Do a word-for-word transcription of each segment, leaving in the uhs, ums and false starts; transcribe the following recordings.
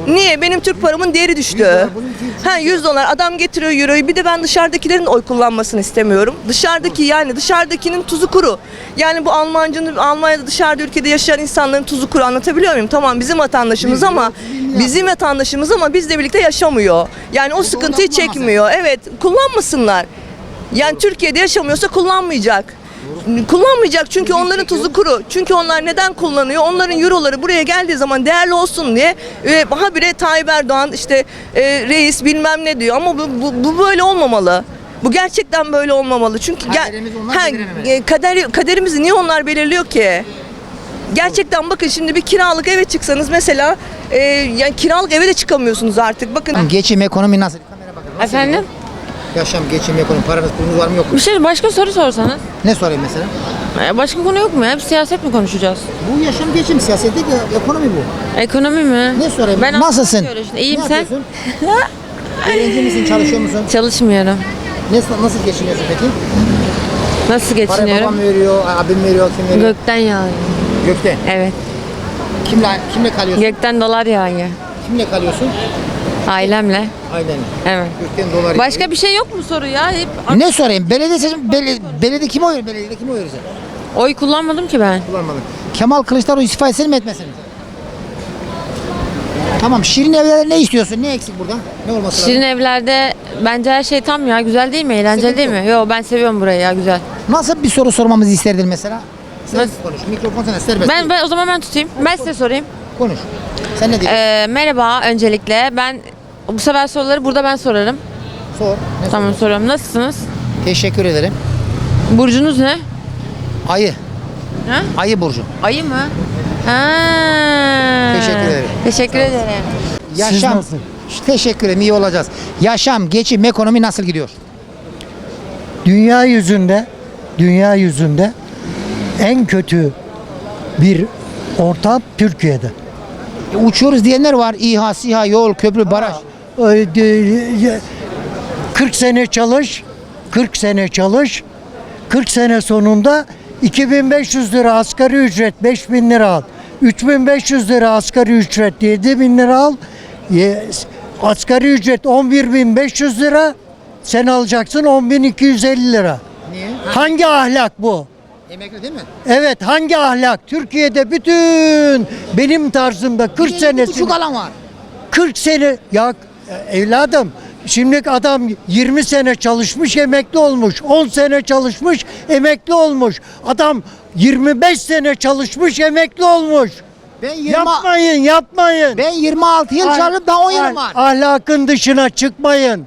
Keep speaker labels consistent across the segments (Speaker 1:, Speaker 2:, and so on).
Speaker 1: Niye? Benim Türk paramın değeri düştü. Ha yüz dolar adam getiriyor euroyu. Bir de ben dışarıdakilerin oy kullanmasını istemiyorum. Dışarıdaki yani dışarıdakinin tuzu kuru. Yani bu Almancının Almanya'da dışarıda ülkede yaşayan insanların tuzu kuru, anlatabiliyor muyum? Tamam bizim vatandaşımız ama bizim vatandaşımız ama bizle birlikte yaşamıyor. Yani o sıkıntıyı çekmiyor. Evet, kullanmasınlar. Yani Türkiye'de yaşamıyorsa kullanmayacak. Kullanmayacak çünkü onların tuzu kuru. Çünkü onlar neden kullanıyor? Onların euroları buraya geldiği zaman değerli olsun diye e, habire Tayyip Erdoğan işte e, reis bilmem ne diyor ama bu, bu, bu böyle olmamalı. Bu gerçekten böyle olmamalı. Çünkü
Speaker 2: Kaderimiz onlar
Speaker 1: ha, e, kader, kaderimizi niye onlar belirliyor ki? Gerçekten bakın şimdi bir kiralık eve çıksanız mesela e, yani kiralık eve de çıkamıyorsunuz artık. Bakın
Speaker 2: Geçim, ekonomi nasıl? Kamera bakın. Nasıl
Speaker 3: Efendim?
Speaker 2: gidiyor? Yaşam, geçim, ekonomi, paranız, pulunuz var mı yok mu?
Speaker 3: Bir şey başka soru sorsanız.
Speaker 2: Ne sorayım mesela?
Speaker 3: Ee, Başka konu yok mu ya? Hep siyaset mi konuşacağız?
Speaker 2: Bu yaşam, geçim, siyaset değil de ekonomi bu.
Speaker 3: Ekonomi mi?
Speaker 2: Ne sorayım?
Speaker 3: Ben
Speaker 2: Nasılsın?
Speaker 3: anlatıyorum işte. İyiyim
Speaker 2: Ne
Speaker 3: sen?
Speaker 2: yapıyorsun? Öğrenci misin, çalışıyor musun?
Speaker 3: Çalışmıyorum.
Speaker 2: Ne, nasıl geçiniyorsun peki?
Speaker 3: Nasıl
Speaker 2: Para
Speaker 3: geçiniyorum?
Speaker 2: babam veriyor, abim veriyor, kim veriyor?
Speaker 3: Gökten yağıyor.
Speaker 2: Gökte.
Speaker 3: Evet.
Speaker 2: Kimle, kimle kalıyorsun?
Speaker 3: Gökten dolar yağıyor.
Speaker 2: Kimle kalıyorsun?
Speaker 3: Ailemle.
Speaker 2: Ailenle.
Speaker 3: Evet.
Speaker 2: Gökten dolar.
Speaker 3: Başka bir şey yok mu soru ya? Hep
Speaker 2: Ne sorayım? Belediye seçim, belediye, belediye kime oy verir? Belediyede kime oy verir sen?
Speaker 3: oy kullanmadım ki ben.
Speaker 2: Kullanmadın. Kemal Kılıçdaroğlu istifa etsin mi etmesin mi? Tamam, Şirin Evler'de ne istiyorsun? Ne eksik burada? Ne olması
Speaker 3: Şirin
Speaker 2: lazım?
Speaker 3: evlerde bence her şey tam ya. Güzel değil mi? Eğlenceli
Speaker 2: Sıkıntı
Speaker 3: değil mi? Yo ben seviyorum burayı ya, güzel.
Speaker 2: Nasıl bir soru sormamızı isterdin mesela? Sen
Speaker 3: Nasıl?
Speaker 2: konuş. Mikrofon sana serbest.
Speaker 3: Ben, ben o zaman ben tutayım. Ben size sorayım.
Speaker 2: Konuş. Sen ne diyorsun?
Speaker 3: Ee, merhaba öncelikle. Ben bu sefer soruları burada ben sorarım.
Speaker 2: Sor. Ne
Speaker 3: Tamam
Speaker 2: soruyorsun?
Speaker 3: soruyorum. Nasılsınız?
Speaker 2: Teşekkür ederim.
Speaker 3: Burcunuz ne?
Speaker 2: Ayı.
Speaker 3: Ha?
Speaker 2: Ayı burcu.
Speaker 3: Ayı mı? Ha.
Speaker 2: Teşekkür ederim.
Speaker 3: Teşekkür ederim.
Speaker 2: Yaşam.
Speaker 4: nasıl?
Speaker 2: Teşekkür ederim. İyi olacağız. Yaşam, geçim, ekonomi nasıl gidiyor?
Speaker 4: Dünya yüzünde, dünya yüzünde en kötü bir ortam Türkiye'de.
Speaker 2: E, uçuyoruz diyenler var. İHA, SİHA, yol, köprü, baraj.
Speaker 4: Ee, de- kırk sene çalış, kırk sene çalış, kırk sene sonunda iki bin beş yüz lira asgari ücret, beş bin lira al. üç bin beş yüz lira asgari ücret, yedi bin lira al. Ye- Asgari ücret on bir bin beş yüz lira, sen alacaksın on bin iki yüz elli lira.
Speaker 2: Niye?
Speaker 4: Hangi ahlak bu?
Speaker 2: Emekli değil mi?
Speaker 4: Evet, hangi ahlak? Türkiye'de bütün benim tarzımda kırk senesi
Speaker 2: Küçük alan var.
Speaker 4: kırk sene ya evladım, şimdi adam yirmi sene çalışmış emekli olmuş, on sene çalışmış emekli olmuş, adam yirmi beş sene çalışmış emekli olmuş.
Speaker 2: Ben yirmi,
Speaker 4: Yapmayın, yapmayın.
Speaker 2: ben yirmi altı yıl
Speaker 4: Ah-
Speaker 2: çalışıp daha on
Speaker 4: ah-
Speaker 2: yılım var.
Speaker 4: Ahlakın dışına çıkmayın.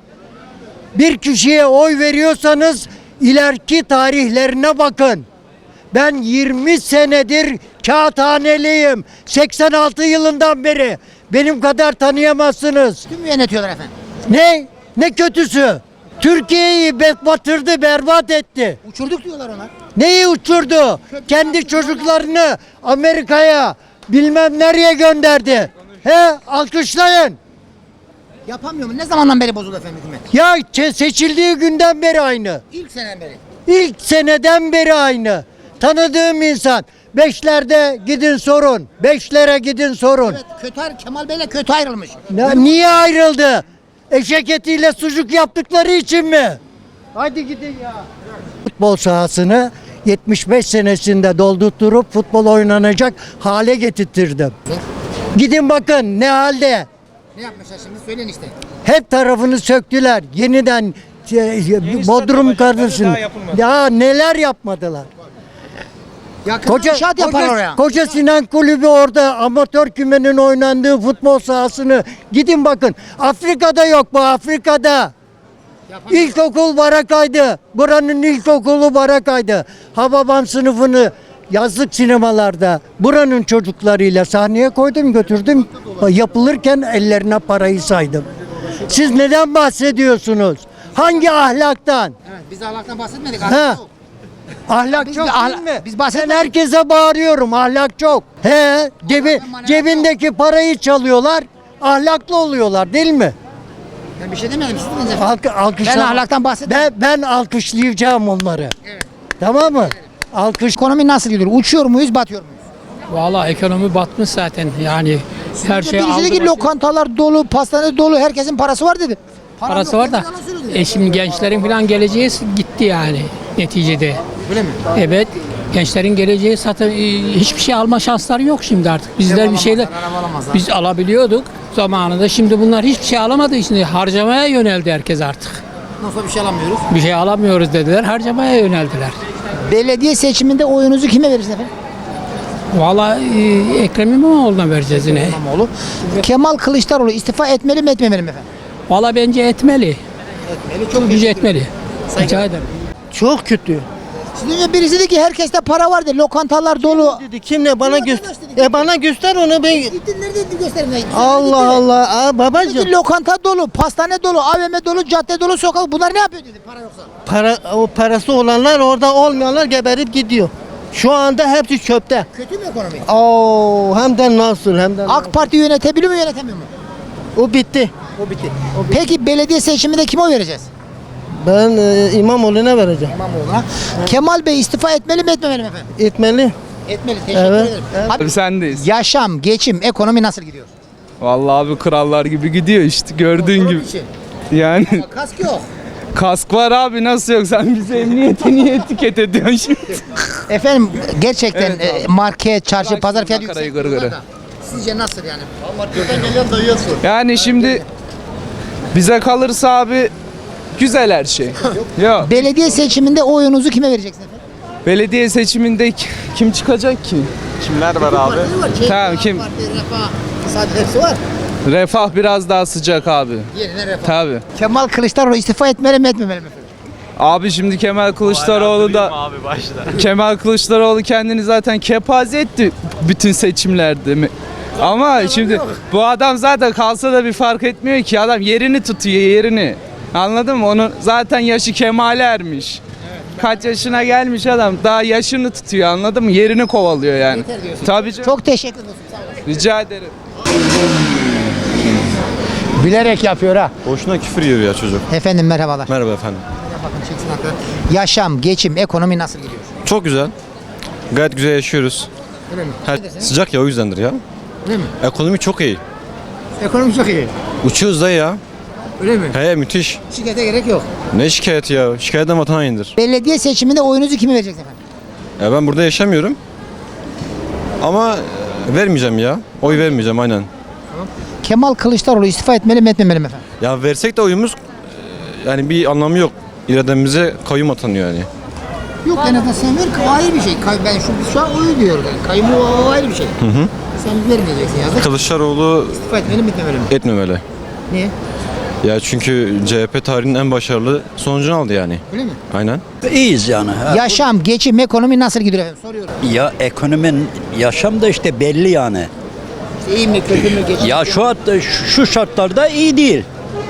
Speaker 4: Bir kişiye oy veriyorsanız ileriki tarihlerine bakın. Ben yirmi senedir kağıthaneliyim. seksen altı yılından beri. Benim kadar tanıyamazsınız.
Speaker 2: Tüm yönetiyorlar efendim.
Speaker 4: Ne? Ne kötüsü? Türkiye'yi be- batırdı, berbat etti.
Speaker 2: Uçurduk diyorlar ona.
Speaker 4: Neyi uçurdu? Kendi çocuklarını Amerika'ya bilmem nereye gönderdi. He, alkışlayın.
Speaker 2: Yapamıyor mu? Ne zamandan beri bozuldu efendim hükümet?
Speaker 4: Ya çe- seçildiği günden beri aynı.
Speaker 2: İlk seneden beri.
Speaker 4: İlk seneden beri aynı. Tanıdığım insan. Beşlerde gidin sorun. Beşlere gidin sorun.
Speaker 2: Evet, kötü ayrı, Kemal Bey'le kötü ayrılmış.
Speaker 4: Ya niye ayrıldı? Eşek etiyle sucuk yaptıkları için mi? Hadi gidin ya. Futbol sahasını yetmiş beş senesinde doldurtturup futbol oynanacak hale getirttirdim. Gidin bakın ne halde.
Speaker 2: Ne yapmışlar şimdi? Söyleyin işte.
Speaker 4: Hep tarafını söktüler. Yeniden e, Bodrum kardeşim. Ya neler yapmadılar.
Speaker 2: Yakında
Speaker 4: Koca,
Speaker 2: inşaat yapar
Speaker 4: koca,
Speaker 2: oraya.
Speaker 4: koca Sinan Kulübü orada amatör kümenin oynandığı futbol sahasını gidin bakın. Afrika'da yok bu, Afrika'da.
Speaker 2: Yapamıyor.
Speaker 4: İlkokul Barakay'dı. Buranın ilkokulu Barakay'dı. Hababam sınıfını yazlık sinemalarda buranın çocuklarıyla sahneye koydum, götürdüm. Yapılırken ellerine parayı saydım. Siz neden bahsediyorsunuz? Hangi ahlaktan?
Speaker 2: Evet, biz ahlaktan bahsetmedik.
Speaker 4: Ha.
Speaker 2: Ahlak yok.
Speaker 4: Ahlak
Speaker 2: Biz
Speaker 4: çok
Speaker 2: bir ahla-
Speaker 4: değil mi?
Speaker 2: biz
Speaker 4: Ben
Speaker 2: bahsetmedik.
Speaker 4: herkese bağırıyorum, ahlak çok. He, cebi,
Speaker 2: manevat
Speaker 4: cebindeki parayı çalıyorlar, ahlaklı oluyorlar değil mi?
Speaker 2: Ben bir şey demedim. Siz dediniz efendim.
Speaker 4: Alk, alkışla-
Speaker 2: Ben ahlaktan bahsetmedim.
Speaker 4: Ben, ben alkışlayacağım onları.
Speaker 2: Evet.
Speaker 4: Tamam mı? Alkış.
Speaker 2: Ekonomi nasıl gidiyor? Uçuyor muyuz, batıyor muyuz?
Speaker 5: Vallahi ekonomi batmış zaten yani Her şey
Speaker 2: Birisi
Speaker 5: aldı
Speaker 2: dedi ki
Speaker 5: başını.
Speaker 2: lokantalar dolu, pastane dolu, herkesin parası var dedi. Param
Speaker 5: Parası
Speaker 2: yok
Speaker 5: var da.
Speaker 2: dedi, yalan söylüyor dedi.
Speaker 5: E şimdi gençlerin falan geleceği gitti yani neticede.
Speaker 2: Öyle mi?
Speaker 5: Evet. Gençlerin geleceği zaten e, hiçbir şey alma şansları yok şimdi artık. Bizler bir şeyler
Speaker 2: araba alamazlar.
Speaker 5: biz alabiliyorduk zamanında. Şimdi bunlar hiçbir şey alamadığı için harcamaya yöneldi herkes artık.
Speaker 2: Nasıl bir şey alamıyoruz?
Speaker 5: Bir şey alamıyoruz dediler. Harcamaya yöneldiler.
Speaker 2: Belediye seçiminde oyunuzu kime verirsiniz efendim?
Speaker 5: Vallahi e, Ekrem İmamoğlu'na vereceğiz yine.
Speaker 2: İmamoğlu. Kemal Kılıçdaroğlu istifa etmeli mi etmemeli mi efendim?
Speaker 5: Vallahi bence etmeli.
Speaker 2: Etmeli.
Speaker 5: Çok gücü etmeli. Rica ederim.
Speaker 6: Çok kötü.
Speaker 2: Şimdi önce birisi dedi ki herkeste para var dedi. Lokantalar dolu.
Speaker 6: Dedi kim ne bana
Speaker 2: Vatandaş
Speaker 6: göster.
Speaker 2: dedi.
Speaker 6: E bana göster onu ben.
Speaker 2: Gittin nerede gösterin.
Speaker 6: Allah Allah. Aa, babacığım.
Speaker 2: Dedi, lokanta dolu, pastane dolu, A V M dolu, cadde dolu, sokak. Bunlar ne yapıyor dedi para yoksa.
Speaker 6: Para o parası olanlar orada olmayanlar geberip gidiyor. Şu anda hepsi çöpte.
Speaker 2: Kötü mü ekonomi?
Speaker 6: Oo hem de nasıl hem de.
Speaker 2: AK Parti yönetebiliyor mu yönetemiyor mu?
Speaker 6: O bitti.
Speaker 2: O bitti. Peki belediye seçiminde kime oy vereceğiz?
Speaker 6: Ben e, İmamoğlu'na vereceğim.
Speaker 2: İmamoğlu'na. Kemal Bey istifa etmeli mi etmemeli mi efendim?
Speaker 6: Etmeli.
Speaker 2: Etmeli. Teşekkür
Speaker 6: Evet,
Speaker 2: ederim.
Speaker 6: evet.
Speaker 2: Abi,
Speaker 7: Sendeyiz.
Speaker 2: yaşam, geçim, ekonomi nasıl gidiyor?
Speaker 7: Vallahi abi krallar gibi gidiyor işte gördüğün
Speaker 2: Kontrol
Speaker 7: gibi.
Speaker 2: dışı.
Speaker 7: Yani
Speaker 2: Kask yok.
Speaker 7: kask var abi nasıl yok sen bize emniyete niye etiket ediyorsun şimdi?
Speaker 2: Efendim gerçekten
Speaker 7: Evet
Speaker 2: e, market, çarşı,
Speaker 7: Bırak
Speaker 2: pazar
Speaker 7: şimdi
Speaker 2: fiyatı
Speaker 7: makarayı
Speaker 2: yüksek.
Speaker 7: gırgırı.
Speaker 2: diyorlar da. Sizce nasıl yani?
Speaker 7: Yani şimdi bize kalırsa abi güzel her şey. Yok.
Speaker 2: Belediye seçiminde oyunuzu kime vereceksiniz efendim?
Speaker 7: Belediye seçiminde k- kim çıkacak ki? Kimler var abi? Tamam kim?
Speaker 2: Parti, Refah, Saadet hepsi var.
Speaker 7: Refah biraz daha sıcak abi.
Speaker 2: Yerine Refah.
Speaker 7: Tabi.
Speaker 2: Kemal Kılıçdaroğlu istifa etmeli mi etmemeli mi efendim?
Speaker 7: Abi şimdi Kemal Kılıçdaroğlu da Kemal Kılıçdaroğlu kendini zaten kepaze etti bütün seçimlerde mi? Ama şimdi bu adam zaten kalsa da bir fark etmiyor ki adam yerini tutuyor yerini. Anladın mı? Onun zaten yaşı kemale ermiş. Kaç yaşına gelmiş adam daha yaşını tutuyor anladın mı? Yerini kovalıyor yani.
Speaker 2: Yeter diyorsun.
Speaker 7: Tabii canım.
Speaker 2: Çok teşekkür ederim. Sağ olasın.
Speaker 7: Rica ederim.
Speaker 2: Bilerek yapıyor ha.
Speaker 8: Boşuna küfür yiyor ya çocuk.
Speaker 2: Efendim merhabalar.
Speaker 8: Merhaba efendim.
Speaker 2: Bakın çeksin hakikaten. Yaşam, geçim, ekonomi nasıl gidiyor?
Speaker 8: Çok güzel. Gayet güzel yaşıyoruz.
Speaker 2: Öyle mi?
Speaker 8: Her,
Speaker 2: Ne desene?
Speaker 8: sıcak ya o yüzdendir ya.
Speaker 2: Öyle mi?
Speaker 8: Ekonomi çok iyi.
Speaker 2: Ekonomi çok iyi.
Speaker 8: Uçuyoruz da ya.
Speaker 2: Öyle mi?
Speaker 8: He müthiş.
Speaker 2: Şikayete gerek yok.
Speaker 8: Ne şikayeti ya? Şikayetten vatan hainidir.
Speaker 2: Belediye seçiminde oyunuzu kime vereceksiniz efendim?
Speaker 8: Ya ben burada yaşamıyorum. Ama vermeyeceğim ya. Oy vermeyeceğim aynen.
Speaker 2: Kemal Kılıçdaroğlu istifa etmeli mi etmemeli mi efendim?
Speaker 8: Ya versek de oyumuz e, yani bir anlamı yok. İrademize kayyum atanıyor yani.
Speaker 2: Yok en azından sen ver, o ayrı bir şey. Kay- Ben şu, biz şu an oyu diyoruz yani. Kayyumu o, o ayrı bir şey. Hı hı. Sen vermeyeceksin yazık.
Speaker 8: Kılıçdaroğlu
Speaker 2: İstifa etmeli mi etmemeli mi?
Speaker 8: etmemeli.
Speaker 2: Niye?
Speaker 8: Ya çünkü C H P tarihinin en başarılı sonucunu aldı yani.
Speaker 2: Öyle mi?
Speaker 8: Aynen.
Speaker 9: İyiyiz yani. Ha.
Speaker 2: Yaşam, geçim, ekonomi nasıl gidiyor efendim? Soruyorum.
Speaker 9: Ya ekonominin yaşam da işte belli yani.
Speaker 2: İyi mi, kötü mü, geçim?
Speaker 9: Ya şu hatta şu şartlarda iyi değil.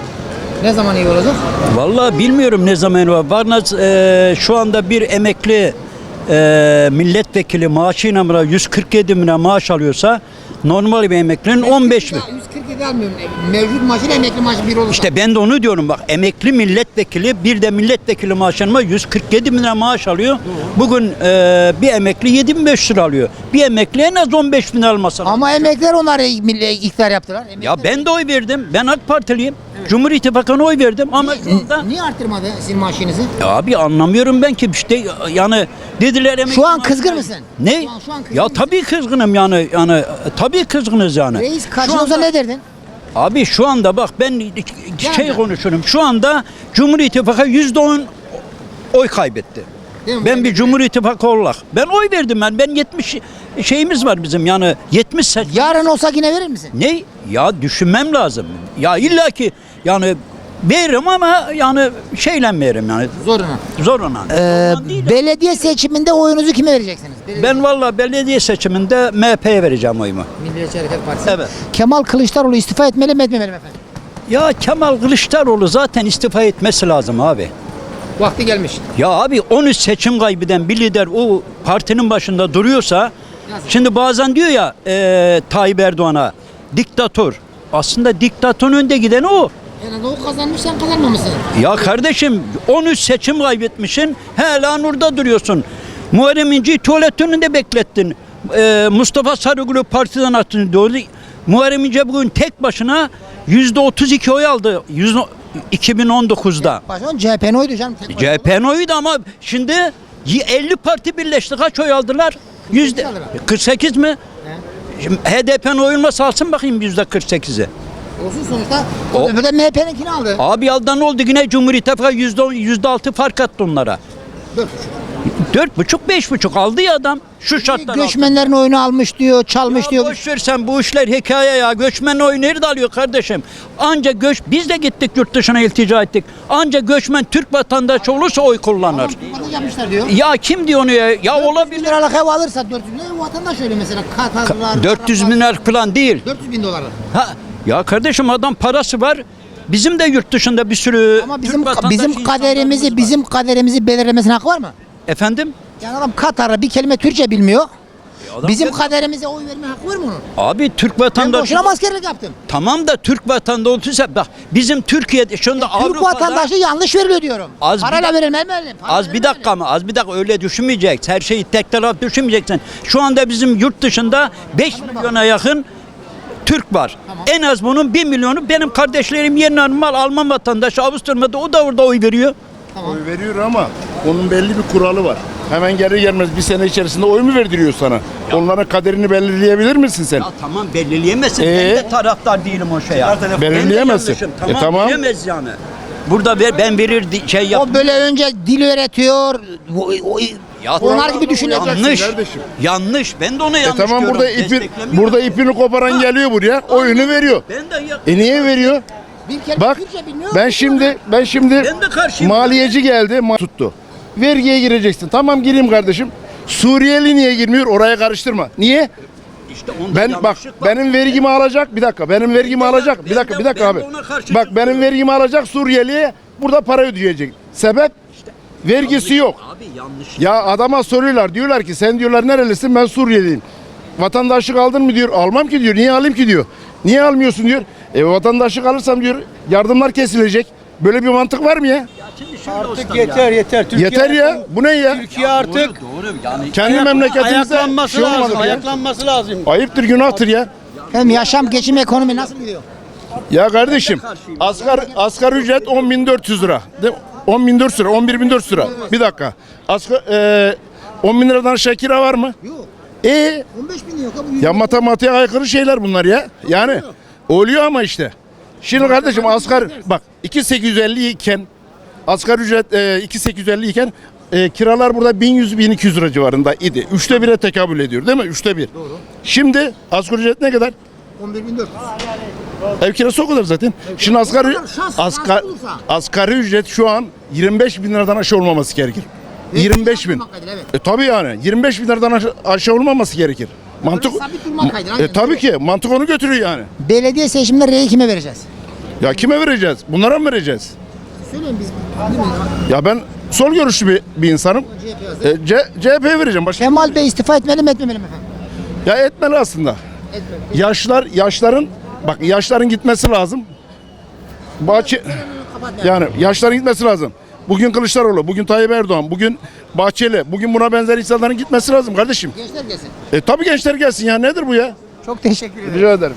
Speaker 2: Ne zaman iyi olacak?
Speaker 9: Vallahi bilmiyorum ne zaman var. Varnaz e, şu anda bir emekli e, milletvekili maaşıyla mı yüz kırk yedi bin lira maaş alıyorsa normal bir emeklinin on beş bin.
Speaker 2: yüz kırk yedi almıyorum. Mevcut maaşıyla emekli maaşı bir olursa.
Speaker 9: İşte ben de onu diyorum bak emekli milletvekili bir de milletvekili maaşlanma yüz kırk yedi bin lira maaş alıyor. Bugün e, bir emekli yedi bin beş yüz lira alıyor. Bir emekli en az on beş bin lira alması lazım.
Speaker 2: Ama emekliler onları milli iktidar yaptılar. Emekliler.
Speaker 9: Ya ben de oy verdim. Ben AK Partiliyim. Cumhur İttifakı'na oy verdim ama şu anda
Speaker 2: Niye arttırmadı sizin maaşınızı?
Speaker 9: ya abi anlamıyorum ben ki işte yani dediler emekli
Speaker 2: Şu an
Speaker 9: maaşı-
Speaker 2: kızgın mısın?
Speaker 9: Ne?
Speaker 2: Şu an- şu an kızgın
Speaker 9: ya
Speaker 2: mısın?
Speaker 9: tabii kızgınım yani yani tabii kızgınız yani.
Speaker 2: Reis
Speaker 9: Şu
Speaker 2: karşına olsa
Speaker 9: anda-
Speaker 2: ne derdin?
Speaker 9: Abi şu anda bak ben şey
Speaker 2: Yani.
Speaker 9: konuşurum. Şu anda Cumhur İttifakı yüzde on oy kaybetti.
Speaker 2: Değil mi?
Speaker 9: Ben bir Cumhur İttifakı olarak. Ben oy verdim ben. Ben yetmiş şeyimiz var bizim yani yetmiş seç-
Speaker 2: Yarın olsa yine verir misin?
Speaker 9: Ne? Ya düşünmem lazım. Ya illaki yani veririm ama yani şeyle veririm yani
Speaker 2: Zoruna.
Speaker 9: zoruna.
Speaker 2: Ee,
Speaker 9: Zoruna değil de-
Speaker 2: belediye seçiminde oyunuzu kime vereceksiniz? Belediye-
Speaker 9: Ben valla belediye seçiminde M H P'ye vereceğim oyumu.
Speaker 2: Milliyetçi Hareket Partisi.
Speaker 9: Evet.
Speaker 2: Kemal Kılıçdaroğlu istifa etmeli mi etmemeli mi efendim?
Speaker 9: Ya Kemal Kılıçdaroğlu zaten istifa etmesi lazım abi.
Speaker 2: Vakti gelmiş.
Speaker 9: Ya abi on üç seçim kaybeden bir lider o partinin başında duruyorsa şimdi bazen diyor ya e, Tayyip Erdoğan'a diktatör. Aslında diktatörün önde giden o.
Speaker 2: Yani o kazanmış sen kazanmamışsın.
Speaker 9: Ya kardeşim on üç seçim kaybetmişsin hala nurda duruyorsun. Muharrem İnce'yi tuvalet önünde beklettin. Ee, Mustafa Sarıgül'ü partiden attın. Doğru. Muharrem İnce bugün tek başına yüzde otuz iki oy aldı. Yüzde iki bin on dokuzda.
Speaker 2: Başkan C H P'nin oydu canım. tek
Speaker 9: C H P'nin oyuydu ama şimdi elli parti birleşti. Kaç oy aldılar? Yüzde kırk sekiz mi? Şimdi H D P'nin oyunu alsın bakayım yüzde kırk sekizi.
Speaker 2: Olsun sonuçta.
Speaker 9: O-
Speaker 2: O öbürde M H P'ninkini aldı.
Speaker 9: Abi yaldan oldu yine Cumhur İttifakı yüzde yüzde altı fark attı onlara.
Speaker 2: Dört
Speaker 9: Dört buçuk beş buçuk aldı ya adam şu şartlar altında.
Speaker 2: Göçmenlerin oyunu almış diyor, çalmış
Speaker 9: Ya
Speaker 2: diyor.
Speaker 9: boş ver sen bu işler hikaye ya. Göçmen oyu nerede alıyor kardeşim? Anca göç biz de gittik yurt dışına iltica ettik. Anca göçmen Türk vatandaşı olursa oy kullanır.
Speaker 2: Bunu yapmışlar diyor.
Speaker 9: Ya kim diyor onu ya? Ya
Speaker 2: dört yüz bin
Speaker 9: olabilir.
Speaker 2: liralık ev alırsa dört yüz bin lira vatandaş öyle mesela Katarlar.
Speaker 9: dört yüz
Speaker 2: Araplar,
Speaker 9: bin lira falan değil.
Speaker 2: dört yüz bin dolar.
Speaker 9: Ha, ya kardeşim adam parası var. Bizim de yurt dışında bir sürü
Speaker 2: Ama
Speaker 9: Türk
Speaker 2: bizim
Speaker 9: vatandaşı
Speaker 2: bizim
Speaker 9: insanlarımız
Speaker 2: kaderimizi
Speaker 9: var.
Speaker 2: bizim kaderimizi belirlemesine hakkı var mı?
Speaker 9: Efendim?
Speaker 2: Yani adam Katar'da bir kelime Türkçe bilmiyor.
Speaker 9: adam
Speaker 2: Bizim
Speaker 9: geldi.
Speaker 2: kaderimize oy verme hakkı var mı onun?
Speaker 9: Abi Türk
Speaker 2: Ben
Speaker 9: vatandaşı.
Speaker 2: boşuna mı askerlik yaptım?
Speaker 9: Tamam da Türk vatandaşı olursa bak bizim Türkiye'de şu anda
Speaker 2: Türk
Speaker 9: Avrupa'da
Speaker 2: vatandaşı yanlış veriliyor diyorum.
Speaker 9: Az bir
Speaker 2: Parayla
Speaker 9: dak-
Speaker 2: verilmez mi öyle? Parayla
Speaker 9: Az bir
Speaker 2: verilmez
Speaker 9: dakika mı? Az bir dakika öyle düşünmeyeceksin. Her şeyi tek taraf düşünmeyeceksin. Şu anda bizim yurt dışında beş milyona yakın Türk var. En az bunun bir milyonu benim kardeşlerim yerine normal Alman vatandaşı Avusturya'da o da orada oy veriyor.
Speaker 10: Oy veriyor ama onun belli bir kuralı var. Hemen gelir gelmez bir sene içerisinde oy mu verdiriyor sana? Onların kaderini belirleyebilir misin sen?
Speaker 9: Ya tamam belirleyemezsin.
Speaker 10: Ee?
Speaker 9: Ben de taraftar değilim o şeye.
Speaker 10: Belirleyemezsin.
Speaker 9: Ben de yanlışım.
Speaker 10: E,
Speaker 9: Tamam,
Speaker 10: tamam.
Speaker 9: bilemez yani. Burada ver, ben verir di- şey yap.
Speaker 2: O böyle önce dil öğretiyor. o- o-
Speaker 9: Ya
Speaker 2: onlar gibi düşüneceksin
Speaker 9: yanlış.
Speaker 10: kardeşim.
Speaker 9: Yanlış. Ben de ona
Speaker 10: E
Speaker 9: yanlış
Speaker 10: tamam
Speaker 9: diyorum.
Speaker 10: burada ipi
Speaker 9: Desteklemiyorum.
Speaker 10: burada ipini koparan geliyor buraya, oyunu veriyor.
Speaker 9: Ben de ya-
Speaker 10: E niye veriyor?
Speaker 2: Bir kelime
Speaker 10: Bak
Speaker 2: Türkçe bilmiyor.
Speaker 10: ben şimdi ben şimdi
Speaker 9: Ben de karşıyım.
Speaker 10: maliyeci geldi ma- tuttu. Vergiye gireceksin. Tamam gireyim kardeşim. Suriyeli niye girmiyor? Oraya karıştırma. Niye?
Speaker 9: İşte onda
Speaker 10: Ben bak
Speaker 9: yanlışlık var.
Speaker 10: benim vergimi alacak. Bir dakika. Benim vergimi
Speaker 9: de-
Speaker 10: alacak. Bir
Speaker 9: ben
Speaker 10: dakika,
Speaker 9: de-
Speaker 10: bir dakika
Speaker 9: ben
Speaker 10: abi.
Speaker 9: de ona karşı
Speaker 10: Bak benim
Speaker 9: çıkıyorum.
Speaker 10: vergimi alacak Suriyeli'ye burada para ödeyecek. Sebep? Vergisi yok.
Speaker 9: Abi yanlış.
Speaker 10: Ya adama soruyorlar. Diyorlar ki sen diyorlar nerelisin? Ben Suriyeliyim. Vatandaşlık aldın mı diyor. Almam ki diyor. Niye alayım ki diyor. Niye almıyorsun diyor. E vatandaşlık alırsam diyor yardımlar kesilecek. Böyle bir mantık var mı ya?
Speaker 9: Artık
Speaker 6: Yeter yeter. Türkiye
Speaker 10: Yeter ya. Bu ne ya?
Speaker 6: Türkiye artık
Speaker 9: Doğru, doğru. Yani
Speaker 10: Kendi memleketimizde
Speaker 6: ayaklanması
Speaker 10: şey olmadı
Speaker 6: lazım.
Speaker 10: ya.
Speaker 6: Ayaklanması lazım.
Speaker 10: Ayıptır, günahtır ya.
Speaker 2: Hem yaşam, geçim, ekonomi nasıl gidiyor?
Speaker 10: Ya kardeşim asgari, asgari ücret on bin dört yüz lira. De- on bin dört yüz lira, on bir bin dört yüz lira. Bir dakika. Asgari, e, on bin liradan aşağı kira var mı?
Speaker 2: Yok.
Speaker 10: E
Speaker 2: on beş bin yok abi.
Speaker 10: ya matematiğe aykırı şeyler bunlar ya. Yani oluyor ama işte. Şimdi kardeşim asgari bak iki bin sekiz yüz elli iken asgari ücret e, iki bin sekiz yüz elli iken e, kiralar burada bin yüz bin iki yüz lira civarında idi. Üçte bire tekabül ediyor değil mi? Üçte bir. Doğru. Şimdi asgari ücret ne kadar?
Speaker 2: on bir bin dört yüz.
Speaker 10: Ev kirası o kadar zaten. Şimdi asgari,
Speaker 2: kadar şans,
Speaker 10: asgari,
Speaker 2: şans olursa.
Speaker 10: asgari ücret şu an yirmi beş bin liradan aşağı olmaması gerekir. yirmi beş bin.
Speaker 2: Evet.
Speaker 10: E tabii yani yirmi beş bin liradan aşağı, aşağı olmaması gerekir. Mantık
Speaker 2: sabit durmak kaydıyla,
Speaker 10: e,
Speaker 2: aynen.
Speaker 10: tabii ki mantık onu götürüyor yani.
Speaker 2: Belediye seçiminde reyi kime vereceğiz?
Speaker 10: Ya kime vereceğiz? Bunlara mı vereceğiz?
Speaker 2: Söyleyin biz. Değil mi?
Speaker 10: Ya ben sol görüşlü bir, bir insanım. E, C, CHP'ye vereceğim. Başka.
Speaker 2: Kemal Bey istifa etmeli mi etmemeli mi efendim?
Speaker 10: Ya etmeli aslında.
Speaker 2: Etmeli.
Speaker 10: Yaşlar yaşların bak yaşların gitmesi lazım. Bahçe yani yaşların gitmesi lazım. Bugün Kılıçdaroğlu, bugün Tayyip Erdoğan, bugün Bahçeli, bugün buna benzer insanların gitmesi lazım kardeşim.
Speaker 2: Gençler gelsin.
Speaker 10: E tabii gençler gelsin ya nedir bu ya?
Speaker 2: Çok teşekkür ederim.
Speaker 10: Rica ederim.